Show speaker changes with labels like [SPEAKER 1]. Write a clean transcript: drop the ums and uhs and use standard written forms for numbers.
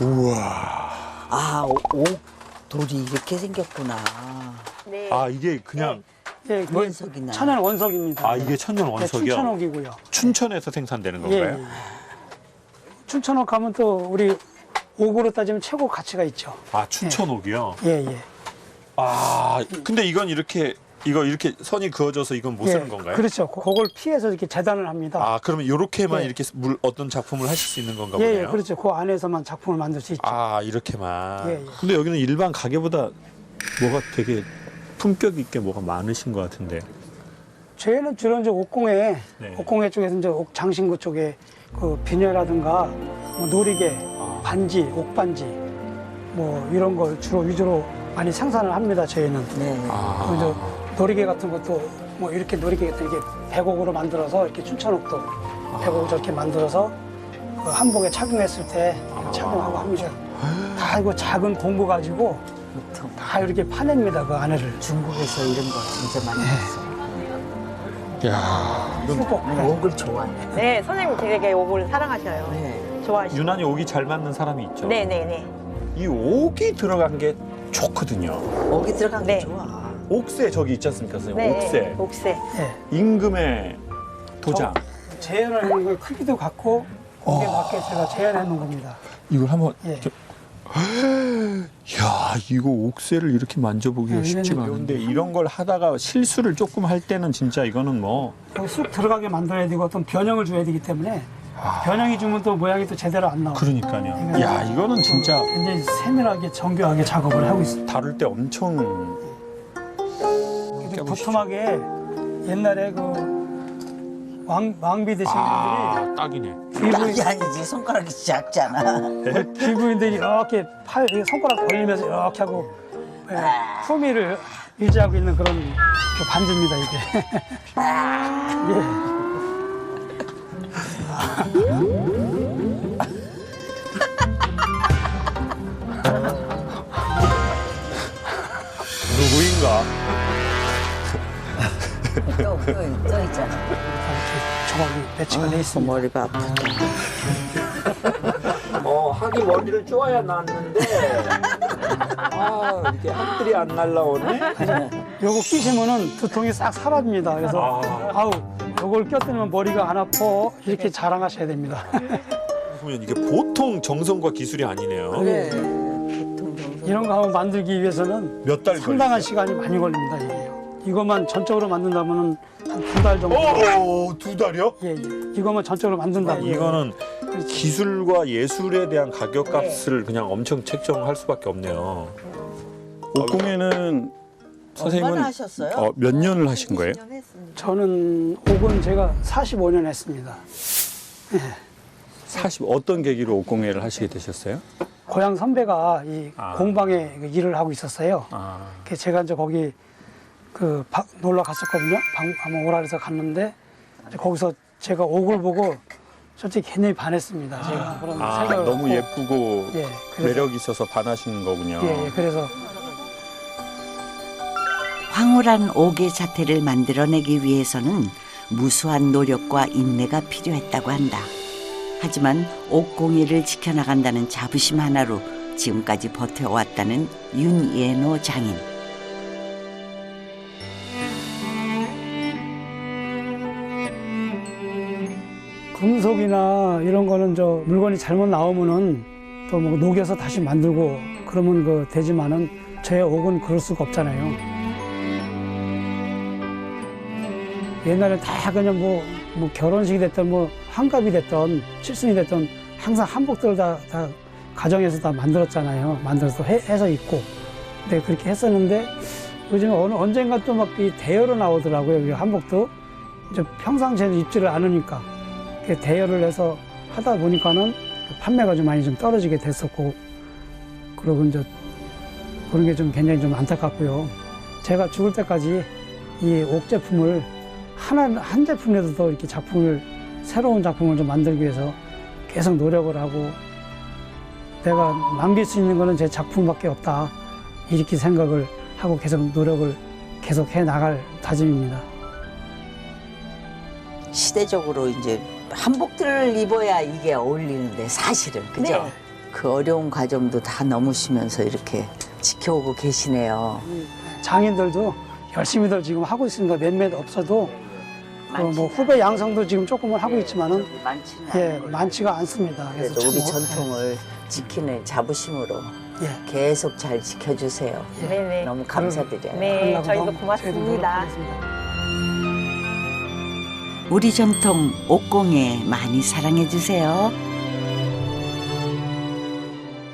[SPEAKER 1] 우와.
[SPEAKER 2] 아, 돌이 이렇게 생겼구나.
[SPEAKER 3] 네.
[SPEAKER 1] 아, 이게 그냥
[SPEAKER 4] 예, 그
[SPEAKER 2] 원석이나.
[SPEAKER 4] 천연 원석입니다.
[SPEAKER 1] 아, 이게 천연
[SPEAKER 4] 네,
[SPEAKER 1] 원석이요?
[SPEAKER 4] 춘천옥이고요.
[SPEAKER 1] 춘천에서 생산되는
[SPEAKER 4] 예,
[SPEAKER 1] 건가요?
[SPEAKER 4] 예. 춘천옥 하면 또 우리 옥으로 따지면 최고 가치가 있죠.
[SPEAKER 1] 아, 춘천옥이요?
[SPEAKER 4] 예, 예.
[SPEAKER 1] 아, 근데 이건 이렇게 선이 그어져서 이건 못 쓰는 건가요?
[SPEAKER 4] 그렇죠. 그걸 피해서 이렇게 재단을 합니다.
[SPEAKER 1] 아, 그러면 이렇게만
[SPEAKER 4] 예.
[SPEAKER 1] 이렇게 어떤 작품을 하실 수 있는 건가
[SPEAKER 4] 예,
[SPEAKER 1] 보네요?
[SPEAKER 4] 예, 그렇죠. 그 안에서만 작품을 만들 수 있죠.
[SPEAKER 1] 아, 이렇게만.
[SPEAKER 4] 예, 예.
[SPEAKER 1] 근데 여기는 일반 가게보다 뭐가 되게 품격 있게 뭐가 많으신 것 같은데.
[SPEAKER 4] 저희는 주로 이제 옥공예,
[SPEAKER 1] 네.
[SPEAKER 4] 옥공예 쪽에서 이제 옥 장신구 쪽에 그 비녀라든가 뭐 놀이개, 반지, 옥반지 뭐 이런 걸 주로 위주로 많이 생산을 합니다. 저희는.
[SPEAKER 2] 네.
[SPEAKER 1] 아.
[SPEAKER 4] 그리고 이제 놀이개 같은 것도 뭐 이렇게 놀이개 같은 이렇게 백옥으로 만들어서 이렇게 춘천옥도 백옥 저렇게 만들어서 그 한복에 착용했을 때 착용하고 합니다. 다 이거 작은 공구 가지고
[SPEAKER 2] 보통
[SPEAKER 4] 다 이렇게 파냅니다. 그 안에를.
[SPEAKER 2] 중국에서 이런 거 진짜 많이 했어.
[SPEAKER 1] 야,
[SPEAKER 4] 수복.
[SPEAKER 2] 옥을 좋아해.
[SPEAKER 3] 네, 선생님 되게 옥을 사랑하셔요.
[SPEAKER 2] 네.
[SPEAKER 3] 좋아하시죠?
[SPEAKER 1] 유난히 옥이 잘 맞는 사람이 있죠.
[SPEAKER 3] 네네네.
[SPEAKER 1] 이 옥이 들어간 게 좋거든요.
[SPEAKER 2] 옥이 들어간 게
[SPEAKER 3] 네.
[SPEAKER 2] 좋아.
[SPEAKER 1] 옥새 저기 있지 않습니까, 선생님?
[SPEAKER 3] 네.
[SPEAKER 1] 옥새.
[SPEAKER 3] 옥새.
[SPEAKER 4] 예.
[SPEAKER 1] 임금의 도장.
[SPEAKER 4] 재현을 하는 거 크기도 같고 거기에 맞게 제가 재현해 놓은 겁니다.
[SPEAKER 1] 이걸 한번.
[SPEAKER 4] 예.
[SPEAKER 1] 이렇게... 야, 이거 옥새를 이렇게 만져보기가
[SPEAKER 4] 네,
[SPEAKER 1] 쉽지가
[SPEAKER 4] 이거는
[SPEAKER 1] 않은데 이런 걸 하다가 실수를 조금 할 때는 진짜 이거는 뭐.
[SPEAKER 4] 여기 쑥 들어가게 만들어야 되고 어떤 변형을 줘야 되기 때문에 변형이 주면 또 모양이 또 제대로 안 나오고
[SPEAKER 1] 그러니까요. 야, 이거는 진짜
[SPEAKER 4] 굉장히 세밀하게 정교하게 작업을 하고 있습니다.
[SPEAKER 1] 다룰 때 엄청.
[SPEAKER 4] 이렇게 두툼하게 옛날에 그 왕비 되신 분들이
[SPEAKER 1] 아, 딱이네.
[SPEAKER 2] 딱이 아니지. 손가락이 작잖아.
[SPEAKER 4] 귀부인들이 이렇게 손가락 벌리면서 이렇게 하고 예, 품위를 유지하고 있는 그런 그 반지입니다 이게. 예.
[SPEAKER 1] 누구인가?
[SPEAKER 2] 또 있잖아.
[SPEAKER 4] 이렇게 조각이 배치가 돼 있습니다.
[SPEAKER 2] 머리가 아프다.
[SPEAKER 1] 하기 머리를 쪼아야 낫는데. 아, 이렇게 학들이 안 날라오네.
[SPEAKER 4] 요거 끼시면은 두통이 싹 사라집니다. 그래서 아우 요걸 꼈더니 머리가 안 아파 이렇게 자랑하셔야 됩니다.
[SPEAKER 1] 보면 이게 보통 정성과 기술이 아니네요.
[SPEAKER 2] 그래. 보통 정성.
[SPEAKER 4] 이런 거 한번 만들기 위해서는
[SPEAKER 1] 몇 달
[SPEAKER 4] 상당한
[SPEAKER 1] 걸리죠?
[SPEAKER 4] 시간이 많이 걸립니다. 이게. 이것만 전적으로 만든다면은 한 2달 정도.
[SPEAKER 1] 오, 2달이요?
[SPEAKER 4] 예, 예. 이것만 전적으로 만든다면
[SPEAKER 1] 이거는 기술과 예술에 대한 가격값을 그냥 엄청 책정할 수밖에 없네요.
[SPEAKER 5] 옥공예는 선생님은
[SPEAKER 2] 얼마나 하셨어요?
[SPEAKER 5] 몇 년을 하신 거예요?
[SPEAKER 4] 저는 옥은 제가 45년 했습니다.
[SPEAKER 5] 어떤 계기로 옥공예를 하시게 되셨어요?
[SPEAKER 4] 고향 선배가 이
[SPEAKER 1] 아.
[SPEAKER 4] 공방에 그 일을 하고 있었어요. 그래서 제가 이제 거기 놀러 갔었거든요. 한번 오라 그래서 갔는데 이제 거기서 제가 옥을 보고 솔직히 굉장히 반했습니다. 제가 그런 생각을
[SPEAKER 5] 너무
[SPEAKER 4] 갖고.
[SPEAKER 5] 예쁘고
[SPEAKER 4] 예, 그래서,
[SPEAKER 5] 매력 있어서 반하신 거군요.
[SPEAKER 4] 예, 예, 그래서
[SPEAKER 6] 황홀한 옥의 자태를 만들어내기 위해서는 무수한 노력과 인내가 필요했다고 한다. 하지만 옥공예를 지켜나간다는 자부심 하나로 지금까지 버텨왔다는 윤예노 장인.
[SPEAKER 4] 금속이나 이런 거는 물건이 잘못 나오면은 또 뭐 녹여서 다시 만들고 그러면 되지만은 저의 옥은 그럴 수가 없잖아요. 옛날에 다 그냥 뭐 결혼식이 됐든 뭐 환갑이 됐든 칠순이 됐든 항상 한복들을 다 가정에서 다 만들었잖아요. 만들어서 해서 입고. 근데 그렇게 했었는데 요즘에 언젠가 또 막 이 대여로 나오더라고요. 이 한복도 이제 평상시에는 입지를 않으니까. 대여를 해서 하다 보니까는 판매가 좀 많이 좀 떨어지게 됐었고, 그러고 이제 그런 게 좀 굉장히 좀 안타깝고요. 제가 죽을 때까지 이 옥 제품을 한 제품이라도 더 이렇게 새로운 작품을 좀 만들기 위해서 계속 노력을 하고, 내가 남길 수 있는 거는 제 작품밖에 없다. 이렇게 생각을 하고 계속 노력을 계속 해 나갈 다짐입니다.
[SPEAKER 2] 시대적으로 이제 한복들을 입어야 이게 어울리는데 사실은 그죠?
[SPEAKER 3] 네.
[SPEAKER 2] 그 어려운 과정도 다 넘으시면서 이렇게 지켜오고 계시네요.
[SPEAKER 4] 장인들도 열심히들 지금 하고 있습니다. 몇몇 없어도 그뭐 후배 양성도 지금 조금은 하고 있지만은
[SPEAKER 2] 많지는
[SPEAKER 4] 예,
[SPEAKER 2] 않은
[SPEAKER 4] 많지가 않습니다.
[SPEAKER 2] 그래도
[SPEAKER 4] 참
[SPEAKER 2] 우리
[SPEAKER 4] 뭐-
[SPEAKER 2] 전통을 지키는 자부심으로
[SPEAKER 4] 예.
[SPEAKER 2] 계속 잘 지켜주세요.
[SPEAKER 3] 네네.
[SPEAKER 2] 너무 감사드려요.
[SPEAKER 3] 네,
[SPEAKER 4] 하려고
[SPEAKER 3] 저희도
[SPEAKER 4] 저희도
[SPEAKER 3] 고맙습니다.
[SPEAKER 4] 노력하겠습니다.
[SPEAKER 6] 우리 전통 옥공예 많이 사랑해 주세요.